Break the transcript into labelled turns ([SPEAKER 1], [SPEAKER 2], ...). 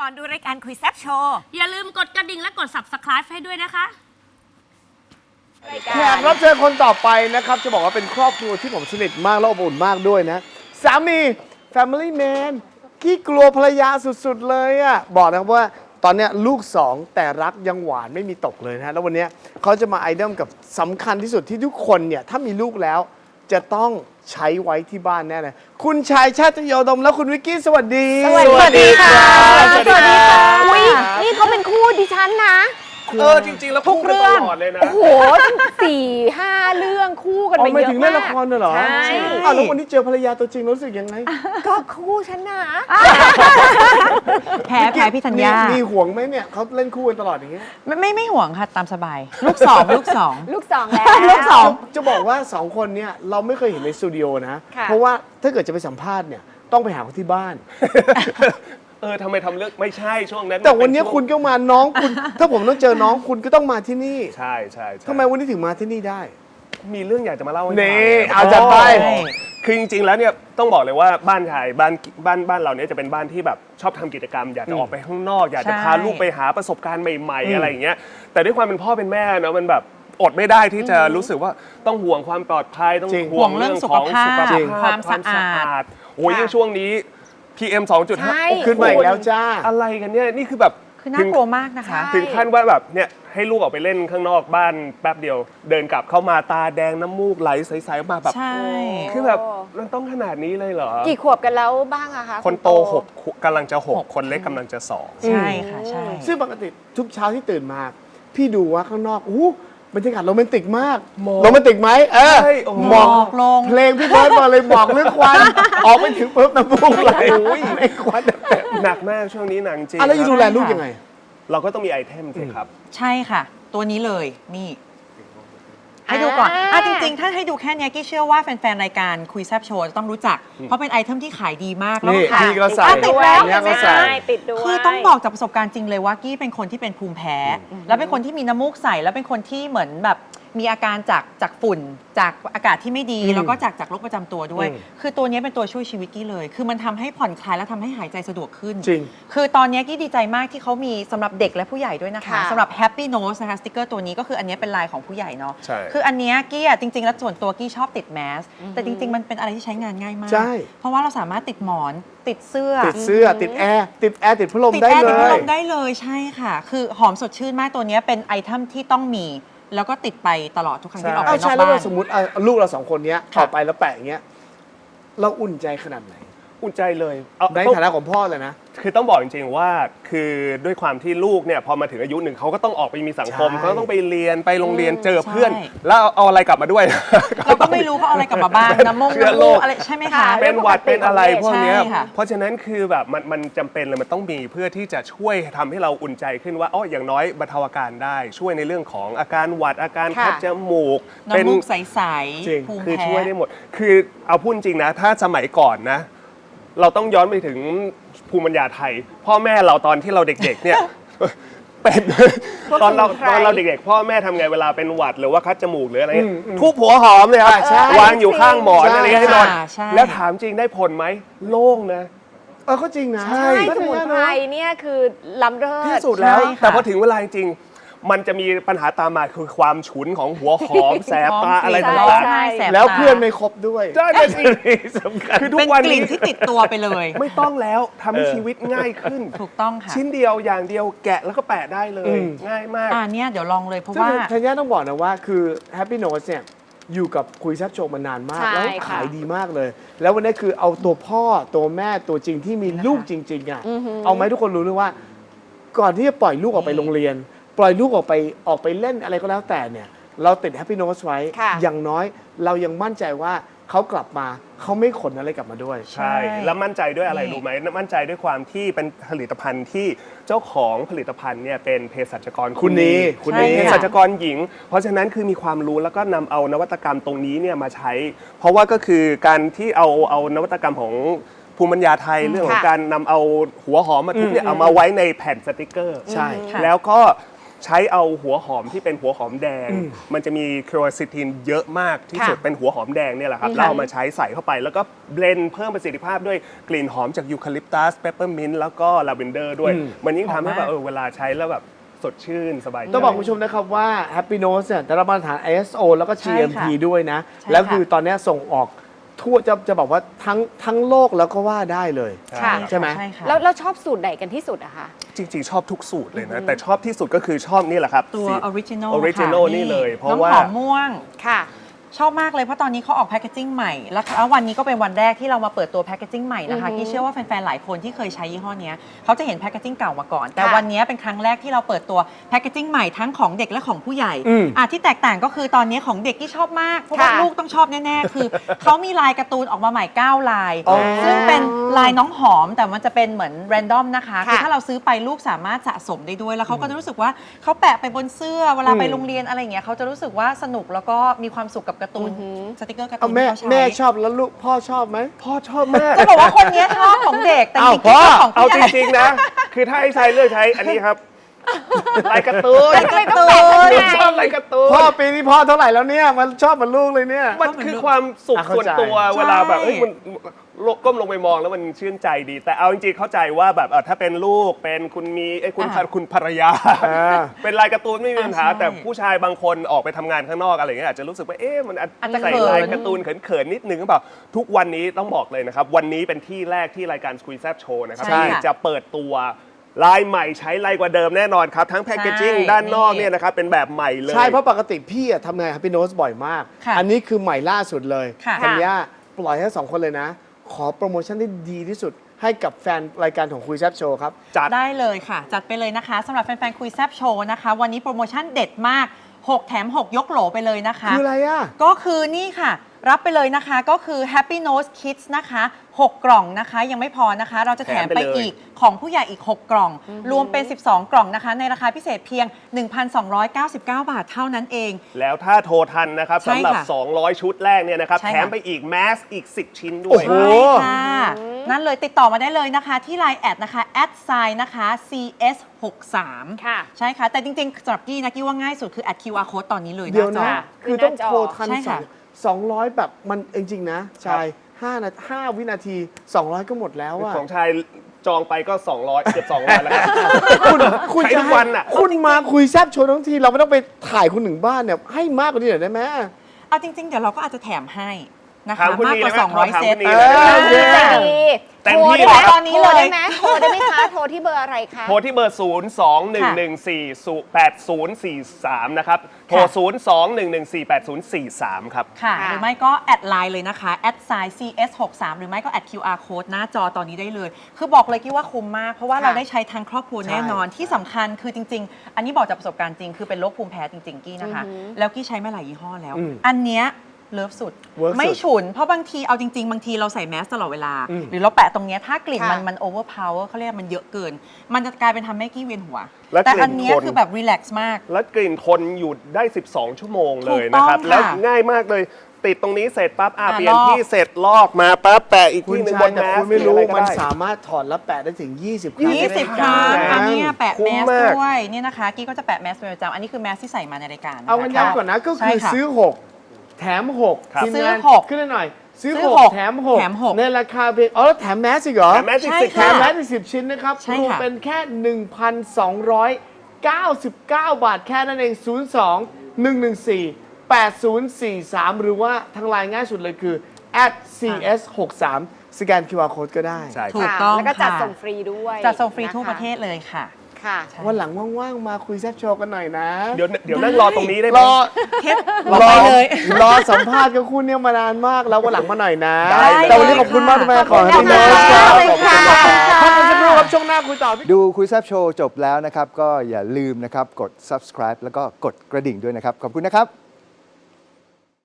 [SPEAKER 1] ก่อนดูรายการคุยแซ่บโชว์
[SPEAKER 2] อย่าลืมกดกระดิ่งและกด Subscribe ให้ด้วยนะคะ
[SPEAKER 3] แขกรับเชิญคนต่อไปนะครับจะบอกว่าเป็นครอบครัวที่ผมสนิทมากและอบอุ่นมากด้วยนะสามี Family Man ขี้กลัวภรรยาสุดๆเลยอ่ะบอกนะครับว่าตอนนี้ลูก2แต่รักยังหวานไม่มีตกเลยนะแล้ววันนี้เขาจะมาไอดอลกับสำคัญที่สุดที่ทุกคนเนี่ยถ้ามีลูกแล้วจะต้องใช้ไว้ที่บ้านแน่เลยคุณชายชาติโยดมและคุณวิกกี้สวัสดี
[SPEAKER 4] สวัสดีค่ะ
[SPEAKER 3] สวัสดีค่ะ
[SPEAKER 4] อุ๊ยนี่เขาเป็นคู่ดิฉันนะ
[SPEAKER 5] จริงๆแล้วคู่กันตลอดเลยนะ
[SPEAKER 4] โอ้โหตั้ง4-5 เรื่องคู่กันไป
[SPEAKER 3] ไม่
[SPEAKER 4] เยอะ
[SPEAKER 3] ถึง
[SPEAKER 4] มา
[SPEAKER 3] เล่น
[SPEAKER 4] ก
[SPEAKER 3] ละครเลยเหรอ
[SPEAKER 4] ใช่
[SPEAKER 3] แล้ววันนี้เจอภรรยาตัวจริงรู้สึกยังไง
[SPEAKER 4] ก็คู่ฉันนะ
[SPEAKER 6] แพ้พี่ธัญญา
[SPEAKER 3] มีห่วงไหมเนี่ยเขาเล่นคู่กันตลอดอย่างเงี้ย
[SPEAKER 6] ไม่ห่วงค่ะตามสบาย ลูกสอง
[SPEAKER 4] ลูกสองแล้ว
[SPEAKER 6] ลูกสอง
[SPEAKER 3] จะบอกว่า2คนเนี่ยเราไม่เคยเห็นในสตูดิโอนะ
[SPEAKER 4] ค่ะ
[SPEAKER 3] เพราะว่าถ้าเกิดจะไปสัมภาษณ์เนี่ยต้องไปหาเขาที่บ้าน
[SPEAKER 5] ทำไมทำเรื่องไม่ใช่ช่วงนั้น
[SPEAKER 3] แต่วันนี้
[SPEAKER 5] เป็ช่
[SPEAKER 3] คุณก็มาน้องคุณ ถ้าผมต้องเจอน้องคุณก็ต้องมาที่นี่
[SPEAKER 5] ใช่ใช่
[SPEAKER 3] ทำไมวันนี้ถึงมาที่นี่ได้
[SPEAKER 5] มีเรื่องอยากจะมาเล่าให้ฟัง
[SPEAKER 3] นี่เอาจัดไป
[SPEAKER 5] คือจริงๆแล้วเนี่ยต้องบอกเลยว่าบ้านชายบ้านเราเนี่ยจะเป็นบ้านที่แบบชอบทำกิจกรรม อยากจะออกไปข้างนอก อยากจะพาลูกไปหาประสบการณ์ใหม่ๆอะไรอย่างเงี้ยแต่ด้วยความเป็นพ่อเป็นแม่เนาะมันแบบอดไม่ได้ที่จะรู้สึกว่าต้องห่วงความปลอดภัยต้อง
[SPEAKER 3] จริง
[SPEAKER 5] ห่วงเรื่องของสุขภาพ
[SPEAKER 3] จริง
[SPEAKER 6] ความสะอาด
[SPEAKER 5] โอ้ยยิ่งช่วงนี้ PM
[SPEAKER 4] ใช่
[SPEAKER 5] 2.5
[SPEAKER 3] ขึ้นมาอีกแล้วจ้า
[SPEAKER 5] อะไรกันเนี่ยนี่คือแบบ
[SPEAKER 6] คือน่ากลัวมากนะคะ
[SPEAKER 5] ถึงขั้นว่าแบบเนี่ยให้ลูกออกไปเล่นข้างนอกบ้านแป๊บเดียว เดินกลับเข้ามาตาแดงน้ำมูกไหลใสๆออกมาแบบ
[SPEAKER 6] ใช่
[SPEAKER 5] คือแบบมันต้องขนาดนี้เลยเหรอ
[SPEAKER 4] กี่ขวบกันแล้วบ้างอะคะ
[SPEAKER 5] คนโต6กำลังจะ6คนเล็กกำลังจะ2
[SPEAKER 6] ใช่ค่ะใช่
[SPEAKER 3] ซึ่งปกติทุกเช้าที่ตื่นมา พี่ดูว่าข้างนอกบรรยากาศโรแมนติกมากโรแมนติกไหมหมอก
[SPEAKER 6] ลง
[SPEAKER 3] เพลงพี่เบิร์ดมาเลยหมอกเรื่องควันออกไปถึงปุ๊บน้ำมูกไหลในควัน
[SPEAKER 5] หนักมากช่วงนี้หนักจริง
[SPEAKER 3] แล้วจะดูแลลูกยังไง
[SPEAKER 5] เราก็ต้องมีไอเทมสิครับ
[SPEAKER 6] ใช่ค่ะ ตัวนี้เลยนี่ ให้ดูก่อนจริงๆ ถ้าให้ดูแค่เนี้ยกี้เชื่อว่าแฟนๆ รายการคุยแซบโชว์จะต้องรู้จัก เพราะเป็นไอเทมที่ขายดีมาก แล้ว
[SPEAKER 3] นี่
[SPEAKER 6] ก็ขาย
[SPEAKER 3] พี่ก็ใส่
[SPEAKER 6] ติดแล้ว
[SPEAKER 3] เนี่ยก็ใส่
[SPEAKER 4] ติดด้วย
[SPEAKER 6] คือต้องบอกจากประสบการณ์จริงเลยว่ากี้เป็นคนที่เป็นภูมิแพ้ แล้วเป็นคนที่มีน้ำมูกใสแล้วเป็นคนที่เหมือนแบบมีอาการจากฝุ่นจากอากาศที่ไม่ดี แล้วก็จากโรคประจำตัวด้วย คือตัวนี้เป็นตัวช่วยชีวิตกี้เลย คือมันทำให้ผ่อนคลายและทำให้หายใจสะดวกขึ้น
[SPEAKER 3] จริง
[SPEAKER 6] คือตอนนี้กี้ดีใจมากที่เขามีสำหรับเด็กและผู้ใหญ่ด้วยนะคะ
[SPEAKER 4] ค่ะ
[SPEAKER 6] สำหรับ Happy Nose นะคะสติกเกอร์ตัวนี้ก็คืออันนี้เป็นลายของผู้ใหญ่เนาะ
[SPEAKER 5] ใช่
[SPEAKER 6] คืออันเนี้ยกี้จริงๆแล้วส่วนตัวกี้ชอบติดแมสแต่จริง ๆ มันเป็นอะไรที่ใช้งานง่ายมาก
[SPEAKER 3] ใช่
[SPEAKER 6] เพราะว่าเราสามารถติดหมอนติดเสื้อ
[SPEAKER 3] ติดเสื้อติดแอร์ติดพัดลม
[SPEAKER 6] ติด
[SPEAKER 3] ได้
[SPEAKER 6] แอร์
[SPEAKER 3] เล
[SPEAKER 6] ติดพัดล
[SPEAKER 3] ย
[SPEAKER 6] มได้เลยใช่ค่ะ คือหอมสดชื่นมากตัวเนี้ยเป็นไอเทมที่ต้องมี แล้วก็ติดไปตลอดทุกครั้งที่ออกไป
[SPEAKER 3] เอา
[SPEAKER 6] นอ
[SPEAKER 3] ใช่
[SPEAKER 6] ก
[SPEAKER 3] แล้ว
[SPEAKER 6] บ้า
[SPEAKER 3] เรา
[SPEAKER 6] น
[SPEAKER 3] สมมติลูกเรา2คนเนี้ย
[SPEAKER 6] ค่ะ
[SPEAKER 3] ออกไปแล้วแปะอย่างเงี้ยเราอุ่นใจขนาดไหน
[SPEAKER 5] อุ่นใจเลย
[SPEAKER 3] ในฐานะของพ่อเลยนะ
[SPEAKER 5] คือต้องบอกจริงๆว่าคือด้วยความที่ลูกเนี่ยพอมาถึงอายุหนึ่งเขาก็ต้องออกไปมีสังคม
[SPEAKER 3] ใช่
[SPEAKER 5] เขาต้องไปเรียนไปโรงเรียนเจอเพื่อน
[SPEAKER 6] ใช่
[SPEAKER 5] แล้วเอาอะไรกลับมาด้วย
[SPEAKER 6] เราก็ไม่รู้เขาเอาอะไรกลับมาบ้างน้ำมูก
[SPEAKER 5] เชื้อโรค
[SPEAKER 6] อะไรใช่ไหมคะ
[SPEAKER 5] เป็นหวัดเป็นอะไรพวกเนี้ย
[SPEAKER 6] ใช่ค่ะ
[SPEAKER 5] เพราะฉะนั้นคือแบบมันจำเป็นเลยมันต้องมีเพื่อที่จะช่วยทำให้เราอุ่นใจขึ้นว่าอ๋ออย่างน้อยบรรเทาอาการได้ช่วยในเรื่องของอาการหวัดอาการคัดจมูก
[SPEAKER 6] น้ำมูกใส
[SPEAKER 3] จริง
[SPEAKER 6] ๆภูมิ
[SPEAKER 5] คือ
[SPEAKER 6] แพ้
[SPEAKER 5] ช่วยได้หมด คือเอาพูดจริงนะ ถ้าสมัยก่อนนะ เราต้องย้อนไปถึงภูมิปัญญาไทย พ่อแม่เราตอนที่เราเด็กๆเนี่ย เป็นตอนเราเด็กๆ พ่อแม่ทำไงเวลาเป็นหวัดหรือว่าคัดจมูกหรืออะไรเงี้ยทุบหัวหอมเลยครับ
[SPEAKER 3] ใช่
[SPEAKER 5] วางอยู่ข้างหมอน
[SPEAKER 3] ใช่
[SPEAKER 5] อะไรเงี้ยให้นอน
[SPEAKER 6] ใช่
[SPEAKER 5] แล้วถามจริงได้ผลไหมโล่งนะ
[SPEAKER 3] ก็จริงนะ
[SPEAKER 5] ใช่
[SPEAKER 4] ใช่สมุนไพรเนี่ยคือล้ำเลิศ
[SPEAKER 5] ที่สุดแล้ว
[SPEAKER 6] ใช่ค่ะ
[SPEAKER 5] แต่พอถึงเวลาจริงๆมันจะมีปัญหาตามมาคือความฉุนของหัวหอมแสบตาอะไร
[SPEAKER 6] ร้
[SPEAKER 5] ต่าง
[SPEAKER 6] ไห้แสบ
[SPEAKER 3] แล้ว
[SPEAKER 6] ตา
[SPEAKER 3] เพื่อนไม่ครบด้วย
[SPEAKER 5] ๆใช่เลยสิ
[SPEAKER 3] สำคัญ
[SPEAKER 5] คือทุ
[SPEAKER 6] เป็น
[SPEAKER 5] กวัน
[SPEAKER 6] กลิ่
[SPEAKER 5] นี้
[SPEAKER 6] นที่ติดตัวไปเลย
[SPEAKER 5] ไม่ต้องแล้วทำให้ชีวิตง่ายขึ้น
[SPEAKER 6] ถูกต้องค่ะ
[SPEAKER 5] ชิ้นเดียวอย่างเดียวแกะแล้วก็แปะได้เลย ง่ายมาก
[SPEAKER 6] เนี่ยเดี๋ยวลองเลยเพราะ
[SPEAKER 3] ซึ่ง
[SPEAKER 6] ว่า
[SPEAKER 3] ธัญญาต้องบอกนะว่าคือ Happy Notes เนี่ยอยู่กับคุยแซับโชว์มานานมาก
[SPEAKER 4] ใช่
[SPEAKER 3] แล้ว
[SPEAKER 4] ค่ะ
[SPEAKER 3] ขายดีมากเลย แล้ววันนี้คือเอาตัวพ่อตัวแม่ตัวจริงที่มีลูกจริงๆอ่ะเอาไหมทุกคนรู้เลยว่า ก่อนที่จะปล่อยลูกออกไปโรงเรียน ปล่อยลูกออกไปเล่นอะไรก็แล้วแต่เนี่ยเราติด Happy Notes ไว้
[SPEAKER 4] ค่ะ
[SPEAKER 3] อย่างน้อยเรายังมั่นใจว่าเขากลับมาเขาไม่ขนอะไรกลับมาด้วย
[SPEAKER 5] ใช่ แล้วมั่นใจด้วยอะไรรู้ไหมมั่นใจด้วยความที่เป็นผลิตภัณฑ์ที่เจ้าของผลิตภัณฑ์เนี่ยเป็นเภสัชกร
[SPEAKER 3] คุณนี
[SPEAKER 5] คุณนี
[SPEAKER 6] ใช่
[SPEAKER 5] เภ
[SPEAKER 6] ค่ะ
[SPEAKER 5] สัชกรหญิง เพราะฉะนั้นคือมีความรู้แล้วก็นำเอานวัตกรรมตรงนี้เนี่ยมาใช้ เพราะว่าก็คือการที่เอานวัตกรรมของภูมิปัญญาไทยเรื่องของ
[SPEAKER 4] ค่ะ
[SPEAKER 5] การนำเอาหัวหอมมาทุบเนี่ยเอามาไว้ในแผ่นสติกเกอร์
[SPEAKER 3] ใช่
[SPEAKER 6] ค่ะ
[SPEAKER 5] แล้วก็ใช้เอาหัวหอมที่เป็นหัวหอมแดง มันจะมีเคอร์ซิทินเยอะมากที่สุด
[SPEAKER 4] ค่ะ
[SPEAKER 5] เป็นหัวหอมแดงเนี่ยแหละครับแล้วเอามาใช้ใส่เข้าไป แล้วก็เบลนด์เพิ่มประสิทธิภาพด้วยกลิ่นหอมจากยูคาลิปตัสเปปเปอร์มินต์แล้วก็ลาเวนเดอร์ด้วย มันยิ่งทำให้แบบเวลาใช้แล้วแบบสดชื่นสบายใจ
[SPEAKER 3] ต้องบอกคุณผู้ชมนะครับว่า Happy Nose เนี่ยได้รับมาตรฐาน ISO แล้วก็
[SPEAKER 6] ใช่
[SPEAKER 3] GMP
[SPEAKER 6] ค่ะ
[SPEAKER 3] ด้วยนะ
[SPEAKER 6] ใช่
[SPEAKER 3] แล้ว
[SPEAKER 6] ค่ะ
[SPEAKER 3] คือตอนนี้ส่งออกทั่วจะบอกว่าทั้งโลกแล้วก็ว่าได้เลย
[SPEAKER 4] ค่ะ
[SPEAKER 3] ใช่ไหม
[SPEAKER 6] ใช่ค่ะ
[SPEAKER 4] แล้วชอบสูตรไหนกันที่สุดอะคะ
[SPEAKER 5] จริงๆ ชอบทุกสูตรเลยนะ แต่ชอบที่สุดก็คือชอบนี่แหละครับ
[SPEAKER 6] ตัวออริจินอล
[SPEAKER 5] ออริจินอลนี่เลย เพราะว่า
[SPEAKER 6] น้ำหอมม่วง
[SPEAKER 4] ค่ะ
[SPEAKER 6] ชอบมากเลยเพราะตอนนี้เขาออกแพคเกจิ้งใหม่ แล้ววันนี้ก็เป็นวันแรกที่เรามาเปิดตัวแพคเกจิ้งใหม่นะคะที่เชื่อว่าแฟนๆ หลายคนที่เคยใช้ยี่ห้อเนี้ยเขาจะเห็นแพคเกจิ้งเก่ามาก่อน แต่
[SPEAKER 4] ค่ะ
[SPEAKER 6] วันนี้เป็นครั้งแรกที่เราเปิดตัวแพคเกจิ้งใหม่ทั้งของเด็กและของผู้ใหญ่
[SPEAKER 3] อืม
[SPEAKER 6] ที่แตกต่างก็คือตอนนี้ของเด็กที่ชอบมากเพราะว่า
[SPEAKER 4] ค่ะ
[SPEAKER 6] ลูกต้องชอบแน่ๆ คือเขามีลายการ์ตูนออกมาใหม่9ลาย
[SPEAKER 3] อ๋อ
[SPEAKER 6] ซึ่งเป็นลายน้องหอมแต่มันจะเป็นเหมือนแรนดอมนะคะ
[SPEAKER 4] ค่ะ
[SPEAKER 6] คือถ้าเราซื้อไปลูกสามารถสะสมได้ด้วยแล้วเขาก็จะรู้สึกว่าเขาแปะไปบนเสื้อเวลาไปโรงเรียนอะไรอย่างเงี้ยเขาจะรู้สึกว่าสนุกแล้วก็มีความสุขกับการ์ตูนสติกเกอร์การ์ตู
[SPEAKER 3] เอา
[SPEAKER 6] น
[SPEAKER 3] แม่
[SPEAKER 6] ที่เขาใช้
[SPEAKER 3] แม่ชอบแล้วลูกพ่อชอบไหม
[SPEAKER 5] พ่อชอบมาก
[SPEAKER 6] จะบอกว่าคนนี้ชอบของเด็กแต่จ
[SPEAKER 3] อ้าว
[SPEAKER 6] ริงๆ
[SPEAKER 3] พ่อ
[SPEAKER 6] ชอบของ
[SPEAKER 5] เอา
[SPEAKER 6] ผู้
[SPEAKER 5] จ
[SPEAKER 6] ใหญ่
[SPEAKER 5] ริงๆนะ คือถ้าให้ใช้เลือกใช้อันนี้ครับ ลายการ์ตูน
[SPEAKER 4] ทำไมต้องแปะข้างใน
[SPEAKER 5] ชอบลายการ์ตูน
[SPEAKER 3] พ่อปีนี้พ่อเท่าไหร่แล้วเนี่ยมันชอบเหมือนลูกเลยเนี่ย
[SPEAKER 5] มันคือความสุข
[SPEAKER 3] เข้า
[SPEAKER 5] ส่วน
[SPEAKER 3] ใจ
[SPEAKER 5] ตัวเวลาแบบเอ้ยมันก้มลงไปมองแล้วมันชื่นใจดี แต่เอาจริงๆเข้าใจว่าแบบถ้าเป็นลูกเป็นคุณมีคุณภรรยา เป็นลายการ์ตูนไม่มีปัญหา
[SPEAKER 6] ใช่
[SPEAKER 5] แต่ผู้ชายบางคนออกไปทำงานข้างนอกอะไรอย่างเงี้ยอาจจะรู้สึกว่ามัน
[SPEAKER 6] อาจจะ
[SPEAKER 5] ใส่
[SPEAKER 6] เขิน
[SPEAKER 5] ลายการ์ตูนเขินๆนิดนึงหรือเปล่าทุกวันนี้ต้องบอกเลยนะครับวันนี้เป็นที่แรกที่รายการ Squeeze Zap Show นะครับ
[SPEAKER 6] ใช่
[SPEAKER 5] ที่
[SPEAKER 6] ค่ะ
[SPEAKER 5] จะเปิดตัวลายใหม่ใช้ลายกว่าเดิมแน่นอนครับทั้งแพคเกจิ้ง
[SPEAKER 6] ใช่
[SPEAKER 5] ด้านนอก
[SPEAKER 6] นี่
[SPEAKER 5] เนี่ยนะครับเป็นแบบใหม่เลย
[SPEAKER 3] ใช่เพราะปกติพี่อะทำงาน Happy Nose บ่อยมาก
[SPEAKER 6] ค่ะ
[SPEAKER 3] อันนี้คือใหม่ล่าสุดเลย
[SPEAKER 6] ค่ะ
[SPEAKER 3] ธัญญาปล่อยให้สองคนเลยนะ ขอโปรโมชั่นที่ดีที่สุดให้กับแฟนรายการของคุยแซบโชว์ครับ
[SPEAKER 5] จัด
[SPEAKER 6] ได้เลยค่ะ จัดไปเลยนะคะสำหรับแฟนๆ คุยแซบโชว์นะคะ วันนี้โปรโมชั่นเด็ดมาก 6 แถม 6 ยกโหลไปเลยนะคะ
[SPEAKER 3] คืออะไรอ่ะ
[SPEAKER 6] ก็คือนี่ค่ะ รับไปเลยนะคะก็คือ Happy Nose Kids นะคะ 6 กล่องนะคะยังไม่พอนะคะ เราจะแถมไป
[SPEAKER 5] แถมไปเลย
[SPEAKER 6] อีกของผู้ใหญ่อีก 6 กล่อง รวมเป็น 12 กล่องนะคะ ในราคาพิเศษเพียง 1,299 บาทเท่านั้นเอง
[SPEAKER 5] แล้วถ้าโทรทันนะครับ
[SPEAKER 6] ใช่
[SPEAKER 5] สำหรับ
[SPEAKER 6] ค่ะ
[SPEAKER 5] 200 ชุดแรกเนี่ยนะครับ
[SPEAKER 6] ใช่ค่ะ
[SPEAKER 5] แถมไปอีกแมสอีก 10 ชิ้นด้
[SPEAKER 3] โอ้
[SPEAKER 5] วย
[SPEAKER 3] โห
[SPEAKER 6] ใช่ค่ะ นั่นเลยติดต่อมาได้เลยนะคะ ที่ Line แอดนะคะ @sign นะคะ CS63
[SPEAKER 4] ค่ะ
[SPEAKER 6] ใช่ค่ะ แต่จริงๆสำหรับกี้นะกี้ว่าง่ายสุดคือแอด QR code ตอนนี้เลย
[SPEAKER 3] เดี๋ยว
[SPEAKER 6] หาจ
[SPEAKER 3] นะ
[SPEAKER 6] อ
[SPEAKER 3] คือต้องโทรทัน
[SPEAKER 6] ใช่ค่ะ
[SPEAKER 3] 200 แบบมันจริงๆนะชาย5 วินาที 200 ก็หมดแล้วอะ
[SPEAKER 5] ของชายจองไปก็ 200 เกือบ 200 แล้วครับ
[SPEAKER 3] คุณ
[SPEAKER 5] ใช้ทุกวันอะ
[SPEAKER 3] คุณมาคุยแซบโชว์ทั้งที เราไม่ต้องไปถ่ายคุณถึงบ้านเนี่ย ให้มากกว่านี้หน่อยได้ไหม
[SPEAKER 6] เอาจริงๆ เดี๋ยวเราก็อาจจะแถมให้นะ
[SPEAKER 5] ถา
[SPEAKER 6] คะ
[SPEAKER 5] มคุณ
[SPEAKER 6] มาก
[SPEAKER 5] นี
[SPEAKER 6] กว่า
[SPEAKER 5] ได้ไหม
[SPEAKER 6] 200 เซต
[SPEAKER 5] ถามคุณนีเลยได้ไหม
[SPEAKER 3] โอเค
[SPEAKER 4] ใจดี
[SPEAKER 5] เต็ม
[SPEAKER 4] โทร
[SPEAKER 5] ที่
[SPEAKER 4] ได้ไหม
[SPEAKER 6] ตอนนี้เลย
[SPEAKER 4] โทรได้ไหมโทรได้ไหมคะ โทรที่เบอร์อะไรคะ
[SPEAKER 5] โทรที่เบอร์ 02-114-8043 นะครับ โทร 02-114-8043 ครับ
[SPEAKER 6] ค่ะ
[SPEAKER 4] ค่ะ
[SPEAKER 6] หรือไม่ก็แอดไลน์เลยนะคะแอดไซน์ CS63 หรือไม่ก็แอด QR code หน้าจอตอนนี้ได้เลย คือบอกเลยกี้ว่าคุ้มมาก เพราะว่า
[SPEAKER 4] ค่ะ
[SPEAKER 6] เราได้ใช้ทางครอบครัว
[SPEAKER 3] ใช่
[SPEAKER 6] แน่นอนที่สำคัญคือจริง ๆ อันนี้บอกจากประสบการณ์จริง คือเป็นโรคภูมิแพ้จริง ๆ กี้นะคะ แล้วกี้ใช้มาหลายยี่ห้อแล้ว อันเนี้ยเลิฟสุด
[SPEAKER 3] Work
[SPEAKER 6] ไม่
[SPEAKER 3] สุด
[SPEAKER 6] ฉุน เพราะบางทีเอาจริง ๆ บางทีเราใส่แมสตลอดเวลา หรือเราแปะตรงเนี้ยถ้ากลิ่น
[SPEAKER 4] ค่ะ
[SPEAKER 6] มันโอเวอร์พาวเวอร์เขาเรียกมันเยอะเกิน มันจะกลายเป็นทำให้กี้เวียนหัว
[SPEAKER 5] และ
[SPEAKER 6] แต่
[SPEAKER 5] กลิ่น
[SPEAKER 6] อันเนี้ย
[SPEAKER 5] คน
[SPEAKER 6] คือแบบรีแลกซ์มาก
[SPEAKER 5] และกลิ่นทนอยู่ได้ 12 ชั่วโมงเลย
[SPEAKER 6] ถูกต้อง
[SPEAKER 5] นะครับ
[SPEAKER 6] ค่ะ
[SPEAKER 5] แล้วง่ายมากเลย ติดตรงนี้เสร็จปั๊บเปลี่ยน
[SPEAKER 6] ลอก
[SPEAKER 5] ที่เสร็จลอกมาปั๊บแปะอีก
[SPEAKER 3] คุณ
[SPEAKER 5] ที่หนึ่ง
[SPEAKER 3] ชา
[SPEAKER 5] บ
[SPEAKER 3] ย
[SPEAKER 5] น
[SPEAKER 3] แต่
[SPEAKER 5] แมส
[SPEAKER 3] คุณไม่รู้
[SPEAKER 5] หออะ
[SPEAKER 3] มัน
[SPEAKER 5] ก็ด้
[SPEAKER 3] สามารถถอดและแปะได้ถึง 20 ครั้ง
[SPEAKER 6] 20 ครั้ง อันเนี้ยแปะ
[SPEAKER 5] คุ้
[SPEAKER 6] แม
[SPEAKER 5] ม
[SPEAKER 6] ส
[SPEAKER 5] มาก
[SPEAKER 6] ด้วยเนี่ยนะคะ กี้ก็จะแปะแมสเป็นประจำอันนี้คือแมสที่ใส่มาในรายการ
[SPEAKER 3] เอากันย้ำก่อนนะก็
[SPEAKER 6] ใช่
[SPEAKER 3] คือ
[SPEAKER 6] ค่ะ
[SPEAKER 3] ซื้อ 6 แถม 6
[SPEAKER 5] ครับ
[SPEAKER 3] ทีม
[SPEAKER 6] ซื้อง
[SPEAKER 3] าน
[SPEAKER 6] 6
[SPEAKER 3] ขึ้นหน่อย ซื้อ
[SPEAKER 6] ซื้อ
[SPEAKER 3] 6
[SPEAKER 6] 6
[SPEAKER 3] แถม
[SPEAKER 6] แถม
[SPEAKER 3] 6
[SPEAKER 6] 6
[SPEAKER 3] ในราคาเพียงอ๋อแล้วแถมแมสอีกเหรอ
[SPEAKER 5] แต่แมสอีก
[SPEAKER 6] ใช่
[SPEAKER 5] 10
[SPEAKER 3] แถ
[SPEAKER 6] ค่ะ
[SPEAKER 3] มแมสอีก10 ชิ้นนะครับ
[SPEAKER 6] ใช่
[SPEAKER 3] รวม
[SPEAKER 6] ค่ะ
[SPEAKER 3] เป็นแค่ 1,299 บาทแค่นั้นเอง 02-114-8043 หรือว่าทางไลน์ง่ายสุดเลยคือ @cs63 สแกน QR code ก็ได้
[SPEAKER 5] ใช่
[SPEAKER 6] ถู
[SPEAKER 5] ค
[SPEAKER 6] ก
[SPEAKER 5] รับ
[SPEAKER 6] ต้อง
[SPEAKER 4] แล้วก็จัด
[SPEAKER 6] ค่ะ
[SPEAKER 4] ส่งฟรีด้วย
[SPEAKER 6] จัดส่งฟรีทั่ว
[SPEAKER 4] นค
[SPEAKER 6] ประเทศเลยค่ะ
[SPEAKER 4] ค่ะ
[SPEAKER 3] วันหลังว่างๆ มาคุยแซบโชว์กันหน่อยนะ
[SPEAKER 5] เดี๋ยวนั่งรอตรงนี้ได้ไหม
[SPEAKER 3] รอ
[SPEAKER 6] เทปต่อไปเลย
[SPEAKER 3] รอสัมภาษณ์กับคุณเนี่ยมานานมากแล้ววันหลังมาหน่อยนะ
[SPEAKER 5] ได้เลย
[SPEAKER 3] แต่วันนี้ขอบคุณมากที่มาขอให้
[SPEAKER 4] ขอบ
[SPEAKER 3] คุณ
[SPEAKER 4] คุณ
[SPEAKER 3] โน้ต
[SPEAKER 4] ค่ะ
[SPEAKER 3] พักกันสักครู่ครับช่วงหน้าคุยต่อพี่
[SPEAKER 1] ดูคุยแซบโชว์จบแล้วนะครับ ก็อย่าลืมนะครับ กด subscribe แล้วก็กดกระดิ่งด้วยนะครับ ขอบคุณนะครับ